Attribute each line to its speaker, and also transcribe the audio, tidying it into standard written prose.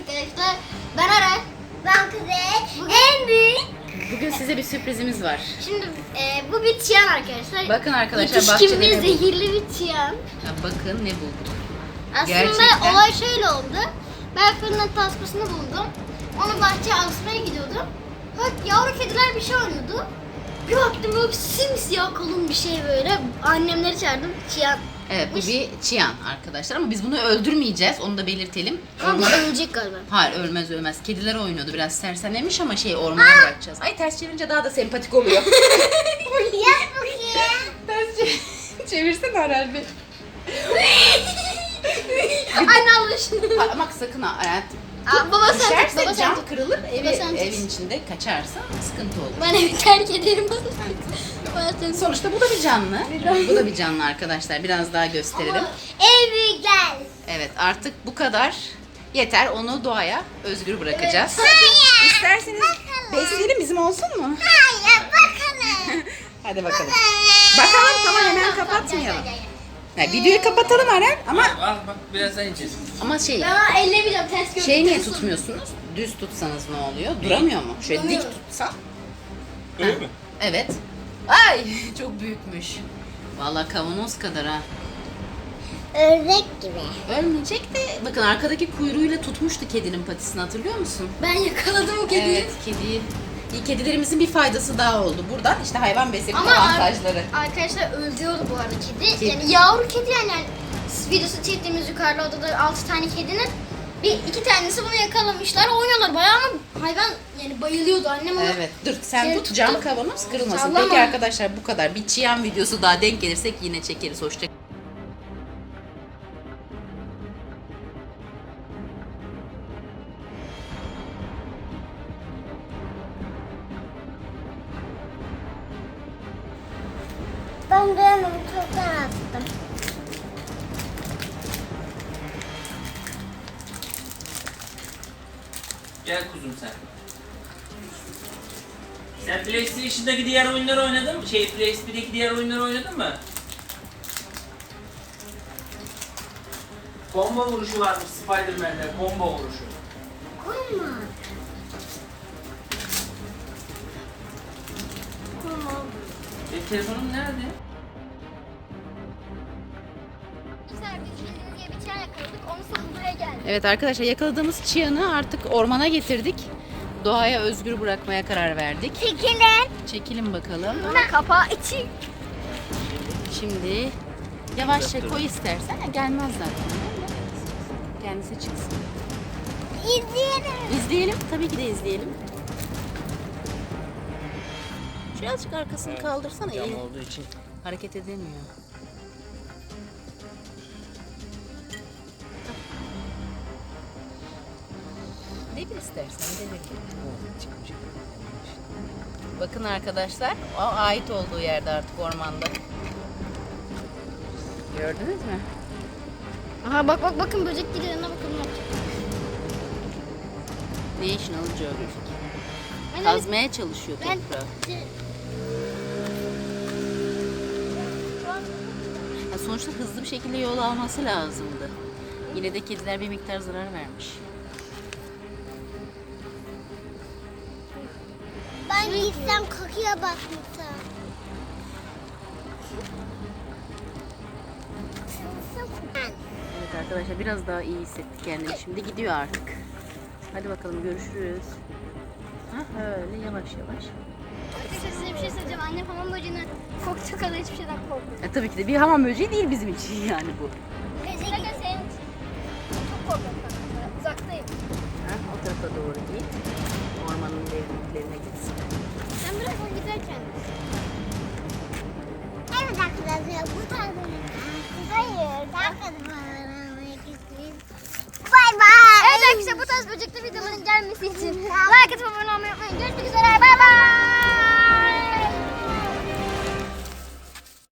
Speaker 1: arkadaşlar. Ben Aray. Ben Kuzey. En büyük.
Speaker 2: Bugün size bir sürprizimiz var.
Speaker 1: Şimdi bu bir çiyan arkadaşlar.
Speaker 2: Bakın arkadaşlar
Speaker 1: Yetişkin
Speaker 2: bahçede
Speaker 1: ve
Speaker 2: ne bulduk?
Speaker 1: zehirli bir çiyan.
Speaker 2: Ya bakın ne bulduk.
Speaker 1: Aslında
Speaker 2: Gerçekten.
Speaker 1: olay şöyle oldu. Ben fırının tasmasını buldum. Onu bahçeye asmaya gidiyordum. Bak yavru kediler bir şey oynuyordu. Bir baktım böyle simsiyah kalın bir şey böyle. Annemleri çağırdım. Çiyan.
Speaker 2: Evet bu bir çiyan arkadaşlar ama biz bunu öldürmeyeceğiz. Onu da belirtelim.
Speaker 1: Ama ölecek galiba.
Speaker 2: Hayır ölmez. Kediler oynuyordu biraz sersemlemiş ama ormana bırakacağız. Ay ters çevirince daha da sempatik oluyor.
Speaker 1: Yap bakayım.
Speaker 2: Ters çevirsene herhalde.
Speaker 1: Anne Allah şunu.
Speaker 2: Ama sakın ha hayatım.
Speaker 1: Baba sen
Speaker 2: Düşerse
Speaker 1: baba sen
Speaker 2: cam
Speaker 1: tut.
Speaker 2: kırılır,
Speaker 1: Baba sen tut.
Speaker 2: evin içinde kaçarsa sıkıntı olur.
Speaker 1: Ben evi terk ederim. Baba sen tut.
Speaker 2: Sonuçta bu da bir canlı. Bu da bir canlı arkadaşlar. Biraz daha gösterelim.
Speaker 1: En büyükler.
Speaker 2: Evet artık bu kadar yeter. Onu doğaya özgür bırakacağız.
Speaker 1: Hayır.
Speaker 2: İsterseniz besleyelim bizim olsun mu?
Speaker 1: Hayır bakalım.
Speaker 2: Hadi bakalım. Bakalım tamam hemen kapatmayalım. Yani videoyu kapatalım Aren ama
Speaker 3: Bak birazdan yiyeceğiz.
Speaker 1: Ben ellemeyeceğim ters gördüm.
Speaker 2: şey niye tutmuyorsunuz? Düz tutsanız ne oluyor? Duramıyor mu? Şöyle dik
Speaker 1: Duramıyor.
Speaker 2: tutsan.
Speaker 3: Öyle mi?
Speaker 2: Evet. Ay çok büyükmüş. Vallahi kavanoz kadar ha.
Speaker 1: Ördek gibi.
Speaker 2: Ölmeyecek de bakın arkadaki kuyruğuyla tutmuştu kedinin patisini hatırlıyor musun?
Speaker 1: Ben yakaladım o kediyi.
Speaker 2: Evet kediyi. Kedilerimizin bir faydası daha oldu. Buradan işte hayvan besleme
Speaker 1: Ama
Speaker 2: avantajları.
Speaker 1: arkadaşlar öldürüyordu bu arada kedi.
Speaker 2: Kedi.
Speaker 1: Yani yavru kedi yani videosu çektiğimiz yukarıda odada 6 tane kedinin iki tanesi bunu yakalamışlar. Oynuyorlar bayağı ama hayvan yani bayılıyordu annem onu.
Speaker 2: Evet dur sen
Speaker 1: Şey
Speaker 2: tut cam
Speaker 1: tuttu.
Speaker 2: kavanoz kırılmasın.
Speaker 1: Sallama.
Speaker 2: Peki arkadaşlar bu kadar. Bir çiyan videosu daha denk gelirsek yine çekeriz. Hoşça
Speaker 1: Ben de çoktan attım.
Speaker 3: Gel kuzum sen. Sen PlayStation'daki diğer oyunları oynadın mı? PlayStation'daki diğer oyunları oynadın mı? Combo vuruşu varmış Spider-Man'de. Combo vuruşu.
Speaker 1: Koyma.
Speaker 3: Telefonum nerede?
Speaker 1: Güzel biz bildiğiniz gibi bir çiyan yakaladık. Onu sonra buraya geldik.
Speaker 2: Evet arkadaşlar yakaladığımız çiyanı artık ormana getirdik. Doğaya özgür bırakmaya karar verdik.
Speaker 1: Çekilin.
Speaker 2: Çekelim bakalım.
Speaker 1: Buna kapağı için.
Speaker 2: Şimdi yavaşça koy istersen. Gelmez zaten. Kendisi çıksın.
Speaker 1: İzleyelim.
Speaker 2: İzleyelim. Tabii ki de izleyelim. Birazcık arkasını kaldırsana.
Speaker 3: Cam
Speaker 2: Eli
Speaker 3: olduğu için.
Speaker 2: hareket edemiyor. Devir istersen devir. Bakın arkadaşlar, o ait olduğu yerde artık ormanda. Gördünüz mü?
Speaker 1: Aha bak bakın böcek geliyor yanına bakın ne yapacak.
Speaker 2: National Geographic.
Speaker 1: Ben
Speaker 2: Kazmaya çalışıyor
Speaker 1: Ben-
Speaker 2: toprağı. Ya sonuçta hızlı bir şekilde yol alması lazımdı. Yine de kediler bir miktar zarar vermiş.
Speaker 1: Ben gitsem kakıya bakmışım.
Speaker 2: Evet arkadaşlar biraz daha iyi hissettik kendini. Şimdi gidiyor artık. Hadi bakalım görüşürüz. Ha, öyle yavaş yavaş.
Speaker 1: Size bir şey söyleyeceğim. Annem hamam böceğine korktu kadar hiçbir şeyden korkmuyor.
Speaker 2: Tabii ki de bir hamam böceği değil bizim için yani bu.
Speaker 1: Böcek senin için. Çok korkuyorum kanka. Uzaktayım.
Speaker 2: Ha, o tarafa doğru git. Ormanın derinliklerine gitsin.
Speaker 1: Sen birazdan giderken. Evet arkadaşlar bu tarz hayır. Bay bay. Evet arkadaşlar bu tarz böcekli videoların gelmesi için like atıp abone olmayı unutmayın. Görüşmek üzere. Bay bay.